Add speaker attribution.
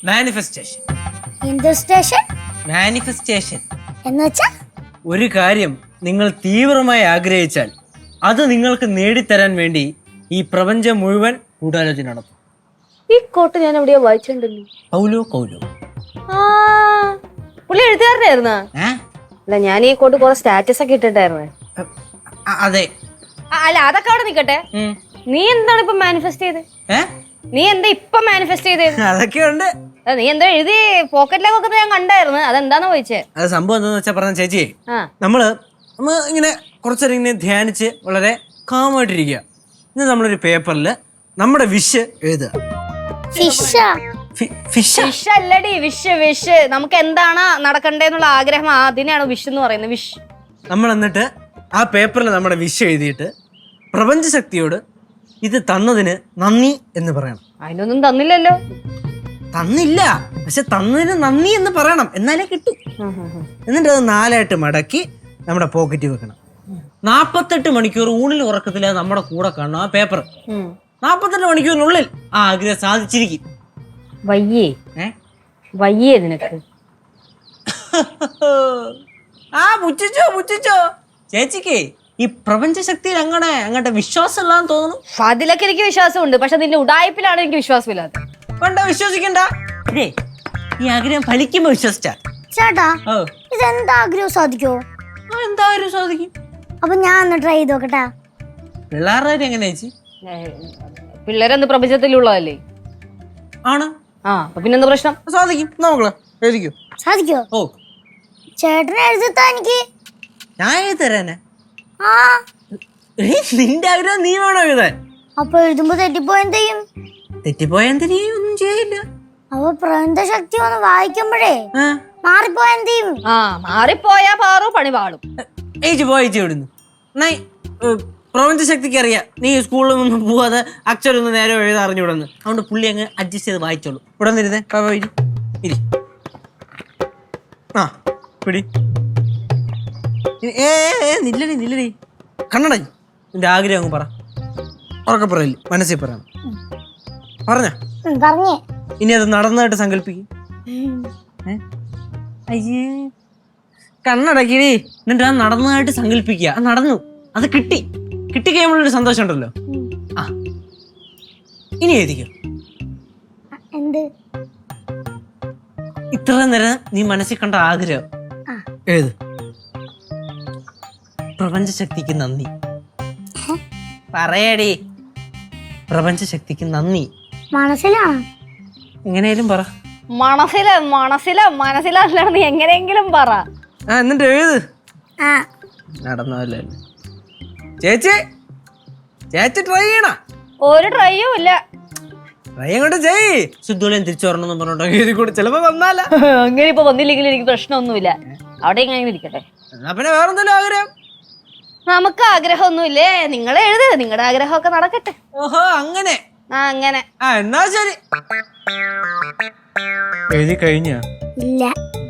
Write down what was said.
Speaker 1: Manifestation.
Speaker 2: Manifestation
Speaker 1: എന്നുവെച്ചാ ഒരു കാര്യം നിങ്ങൾ തീവ്രമായി ആഗ്രഹിച്ചാൽ അത് നിങ്ങൾക്ക് നേടിത്തരാൻ വേണ്ടി ഈ പ്രപഞ്ചം മുഴുവൻ ഗൂഢാലോചന നടത്തും.
Speaker 3: ഈ കോട്ട് ഞാൻ എവിടെയോ വായിച്ചിട്ടുണ്ടല്ലോ.
Speaker 1: പൗലോ കൗലോ.
Speaker 3: പുള്ളി എഴുത്തുകാരനായിരുന്നാ? അല്ല, ഞാൻ ഈ കോട്ട് കുറെ സ്റ്റാറ്റസ് ഒക്കെ ഇട്ടിട്ടായിരുന്നേ.
Speaker 1: അതെ.
Speaker 3: അല്ല, അതൊക്കെ അവിടെ നിക്കട്ടെ. നീ എന്താണ് ഇപ്പൊ മാനിഫെസ്റ്റ് ചെയ്ത്? നീ എന്താ ഇപ്പൊ മാനിഫെസ്റ്റ് ചെയ്തത്?
Speaker 1: അതൊക്കെ ഉണ്ട്.
Speaker 3: നീ എന്താ എഴുതി പോക്കറ്റിലേക്ക് വെക്കുന്നത് ഞാൻ കണ്ടായിരുന്നു. അതെന്താന്ന് ചോദിച്ചേ?
Speaker 1: അത് സംഭവം എന്താന്ന് വെച്ചാ പറഞ്ഞ ചേച്ചി, നമ്മള് ഇങ്ങനെ കുറച്ചേരം ഇങ്ങനെ ധ്യാനിച്ച് വളരെ കാമായിട്ടിരിക്കുക. ഇന്ന് നമ്മളൊരു പേപ്പറില് നമ്മുടെ വിഷ് എഴുതുക.
Speaker 3: വിഷ് അല്ലടി, വിഷ്. നമുക്ക് എന്താണ് നടക്കണ്ടേന്നുള്ള ആഗ്രഹം, അതിനാണ് വിഷ് എന്ന് പറയുന്നത്. വിഷ്.
Speaker 1: നമ്മൾ എന്നിട്ട് ആ പേപ്പറിൽ നമ്മുടെ വിഷ് എഴുതിയിട്ട് പ്രപഞ്ചശക്തിയോട് ഇത് തന്നതിന് നന്ദി എന്ന് പറയണം.
Speaker 3: അതിനൊന്നും തന്നില്ലല്ലോ.
Speaker 1: തന്നില്ല, പക്ഷെ തന്നതിന് നന്ദി എന്ന് പറയണം, എന്നാലേ കിട്ടും. എന്നിട്ട് അത് 4 മടക്കി നമ്മുടെ പോക്കറ്റിൽ വെക്കണം. 48 മണിക്കൂർ ഊണിൽ ഉറക്കത്തില്ല നമ്മുടെ കൂടെ കാണണം ആ പേപ്പർ. 48 മണിക്കൂറിനുള്ളിൽ ആ ആഗ്രഹം സാധിച്ചിരിക്കും.
Speaker 3: വയ്യേ നിനക്ക്?
Speaker 1: പുച്ഛിച്ചോ ചേച്ചിക്ക് ഈ പ്രപഞ്ച ശക്തിയിൽ അങ്ങോട്ട് വിശ്വാസം ഇല്ലാന്ന് തോന്നുന്നു.
Speaker 3: അതിലൊക്കെ എനിക്ക് വിശ്വാസമുണ്ട്, പക്ഷെ നിന്റെ ഉടായ്പിലാണ് എനിക്ക് വിശ്വാസമില്ലാത്ത.
Speaker 1: വിശ്വസിക്കണ്ട, ഈ ആഗ്രഹം ഫലിക്കുമ്പോ വിശ്വസിച്ചാ.
Speaker 2: ചേട്ടാ, ഇതെന്താ ആഗ്രഹം സാധിക്കോ?
Speaker 1: എന്തായാലും സാധിക്കും.
Speaker 2: അപ്പൊ ഞാൻ ഒന്ന് ട്രൈ ചെയ്ത് നോക്കട്ടെ.
Speaker 1: പിള്ളേരുടെ എങ്ങനെ ചേച്ചി?
Speaker 3: പിള്ളേരെന്ത് പ്രപഞ്ചത്തിലുള്ളതല്ലേ?
Speaker 1: ആണ്.
Speaker 3: അപ്പൊ പിന്നെന്താ പ്രശ്നം?
Speaker 1: സാധിക്കും. നോക്കളെ എഴുതിക്കോ.
Speaker 2: സാധിക്കോ?
Speaker 1: ഓ,
Speaker 2: ചേട്ടനെ എഴുതിത്താ എനിക്ക്.
Speaker 1: ഞാൻ എഴുതി തരാനാ. നിന്റെ ആഗ്രഹം നീ വേണോ എഴുതാൻ?
Speaker 2: അപ്പൊ എഴുതുമ്പോ തെറ്റിപ്പോയെന്തെയും?
Speaker 1: ഒന്നും ചെയ്യില്ല.
Speaker 2: അപ്പൊ പ്രപഞ്ച ശക്തി ഒന്ന് വായിക്കുമ്പോഴേ മാറിപ്പോയെന്തെയും?
Speaker 3: മാറിപ്പോയാ പാറു പണി പാടും.
Speaker 1: ഏച്ചി പോയിടുന്നു. പ്രപഞ്ച ശക്തിക്ക് അറിയാം നീ സ്കൂളിൽ ഒന്നും പോവാതെ അക്ഷരൊന്നും നേരെ എഴുതാ അറിഞ്ഞുവിടുന്നു. അതുകൊണ്ട് പുള്ളി അങ്ങ് അഡ്ജസ്റ്റ് ചെയ്ത് വായിച്ചോളൂ. ഇവിടെ നിരുന്നേ, ഇരി. പിടി. നില്ലടി. കണ്ണട, നിന്റെ ആഗ്രഹം അങ്ങ് പറ. ഉറക്കെ പറയില്ല, മനസ്സിൽ പറയണം. പറഞ്ഞ ഇനി അത് നടന്നതായിട്ട് സങ്കല്പിക്കും. അയ്യേ, കണ്ണടക്കിടി. എന്നിട്ട് അത് നടന്നതായിട്ട് സങ്കല്പിക്കുക. അത് നടന്നു, അത് കിട്ടിക്കഴിയുമ്പോഴൊരു സന്തോഷം ഉണ്ടല്ലോ. ഇനി എഴുതിക്കോ. ഇത്ര നേരം നീ മനസ്സിൽ കണ്ട ആഗ്രഹം എഴുത്. പ്രപഞ്ചശക്തിക്ക് നന്ദി. പറയടി. പ്രപഞ്ചശക്തിക്ക് നന്ദി.
Speaker 2: മനസ്സിലാണ്.
Speaker 1: എങ്ങനെയാലും പറ.
Speaker 3: മനസ്സിലാ നീ എങ്ങനെയെങ്കിലും പറ.
Speaker 1: എന്നിട്ട് എഴുത്. നടന്നല്ലേ ചേച്ചി ട്രൈ ചെയ്യണ?
Speaker 3: ഒരു ട്രൈയും ഇല്ല.
Speaker 1: ട്രൈ അങ്ങോട്ട് ചെയ്. ശുദ്ധോളിയും തിരിച്ചു വരണമെന്ന് പറഞ്ഞോട്ടോ എഴുതി കൂടി. ചിലപ്പോ വന്നാല
Speaker 3: അങ്ങനെ ഇപ്പൊ വന്നില്ലെങ്കിൽ എനിക്ക് പ്രശ്നമൊന്നുമില്ല. അവിടെ ഇങ്ങനെ ഇരിക്കട്ടെ.
Speaker 1: എന്നാ പിന്നെ വേറെന്തെങ്കിലും ആഗ്രഹം?
Speaker 3: നമുക്ക് ആഗ്രഹമൊന്നുമില്ലേ? നിങ്ങൾ എഴുത്, നിങ്ങളുടെ ആഗ്രഹമൊക്കെ നടക്കട്ടെ.
Speaker 1: ഓഹോ, അങ്ങനെ.
Speaker 3: അങ്ങനെ.
Speaker 1: എന്നാ ശരി. എഴുതി കഴിഞ്ഞ?
Speaker 2: ഇല്ല.